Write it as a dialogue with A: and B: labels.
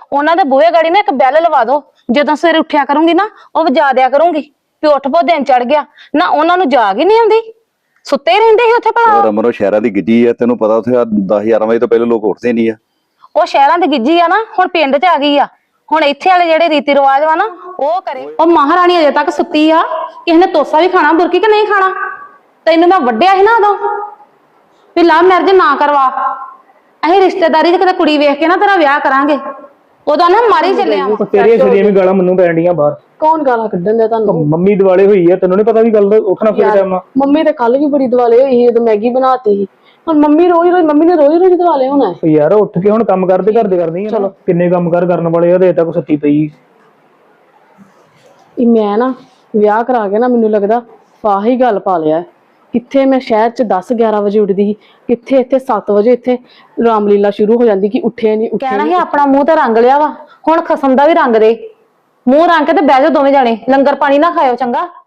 A: ਉਹਨਾਂ ਦੇ ਬੂਹੇ ਗਾੜੀ ਨਾ ਇੱਕ ਬੈਲ ਲਵਾ ਦੋ, ਜਦੋਂ ਸਵੇਰੇ ਉੱਠਿਆ ਕਰੂੰਗੀ ਨਾ ਉਹ ਵਜਾ ਦਿਆ ਕਰੂੰਗੀ ਵੀ ਉੱਠ ਪੋ ਦਿਨ ਚੜ ਗਿਆ। ਨਾ ਉਹਨਾਂ ਨੂੰ ਜਾਗ ਹੀ ਨਹੀਂ ਆਉਂਦੀ, ਸੁੱਤੇ ਹੀ ਰਹਿੰਦੇ ਸੀ ਉੱਥੇ ਭਲਾ।
B: ਰਮਨ ਸ਼ਹਿਰਾਂ ਦੀ ਗਿੱਜੀ ਆ, ਤੈਨੂੰ ਪਤਾ ਉੱਥੇ 10-11 ਵਜੇ ਤੋਂ ਪਹਿਲੇ ਲੋਕ ਉੱਠਦੇ ਨਹੀਂ ਆ।
A: ਉਹ ਸ਼ਹਿਰਾਂ ਦੀ ਗਿੱਜੀ ਆ ਨਾ, ਹੁਣ ਪਿੰਡ 'ਚ ਆ ਗਈ ਆ। ਹੁਣ ਇੱਥੇ ਵਾਲੇ ਜਿਹੜੇ ਰੀਤੀ ਰਿਵਾਜ ਵਾ ਨਾ ਉਹ ਕਰੇ। ਉਹ ਮਹਾਰਾਣੀ ਅਜੇ ਤੱਕ ਸੁੱਤੀ ਆ, ਕਿਸੇ ਨੇ ਤੋਸਾ ਵੀ ਖਾਣਾ ਬੁਰਕੀ ਕਿ ਨਹੀਂ ਖਾਣਾ। ਤੈਨੂੰ ਮੈਂ ਵੱਢਿਆ ਸੀ ਨਾ ਉਦੋਂ ਵੀ ਲਵ ਮੈਰਿਜ ਨਾ ਕਰਵਾ, ਅਸੀਂ ਰਿਸ਼ਤੇਦਾਰੀ 'ਚ ਕਿਤੇ ਕੁੜੀ ਵੇਖ ਕੇ ਨਾ ਤੇਰਾ ਵਿਆਹ ਕਰਾਂਗੇ। ਉਦੋਂ ਨਾ ਮਾਰੀ ਚੱਲਿਆ ਵਾ।
C: ਤੇਰੀਆਂ ਛੜੀਆਂ ਵੀ ਗਾਲਾਂ ਮੈਨੂੰ ਪੈਣ ਡੀਆਂ ਬਾਹਰ।
D: ਕੌਣ ਗਾਲਾਂ ਕੱਢਣ ਦਿਆ ਤੁਹਾਨੂੰ?
C: ਮੰਮੀ ਦਿਵਾਲੇ ਹੋਈ ਆ, ਤੈਨੂੰ ਨੀ ਪਤਾ ਵੀ ਗੱਲ ਉੱਠਣਾ ਫਿਰ ਟਾਈਮ ਆ।
D: ਮੰਮੀ ਤੇ ਕੱਲ ਵੀ ਬੜੀ ਦਿਵਾਲੇ ਹੋਈ ਸੀ ਜਦੋਂ ਮੈਗੀ ਬਣਾਤੀ ਸੀ। ਹੁਣ ਮੰਮੀ ਨੇ ਰੋਜ਼ ਦਿਵਾਲੇ ਹੋਣਾ ਹੈ।
C: ਯਾਰ ਉੱਠ ਕੇ ਹੁਣ ਕੰਮ ਕਰਦੇ ਕਰਦੀ ਆ। ਚਲੋ ਕਿੰਨੇ ਕੰਮ ਕਰਨ ਵਾਲੇ ਆ, ਤੇ ਤੱਕ ਸੁੱਤੀ ਪਈ।
D: ਮੈਂ ਨਾ ਵਿਆਹ ਕਰਾ ਕੇ ਨਾ ਮੈਨੂੰ ਲੱਗਦਾ ਫਾਹੀ ਗੱਲ ਪਾ ਲਿਆ। ਕਿੱਥੇ ਮੈਂ ਸ਼ਹਿਰ 'ਚ 10-11 ਵਜੇ ਉੱਠਦੀ ਸੀ, ਕਿੱਥੇ ਇੱਥੇ 7 ਵਜੇ ਇੱਥੇ ਰਾਮਲੀਲਾ ਸ਼ੁਰੂ ਹੋ ਜਾਂਦੀ ਕਿ ਉੱਠੇ ਨਹੀਂ ਉੱਠੇ।
A: ਕਹਿਣਾ ਸੀ ਆਪਣਾ ਮੂੰਹ ਤੇ ਰੰਗ ਲਿਆ ਵਾ, ਹੁਣ ਖਸਮ ਦਾ ਵੀ ਰੰਗ ਦੇ। ਮੂੰਹ ਰੰਗ ਕੇ ਤੇ ਬਹਿ ਜਾਓ ਦੋਵੇਂ ਜਾਣੇ, ਲੰਗਰ ਪਾਣੀ ਨਾ ਖਾਇਓ ਚੰਗਾ।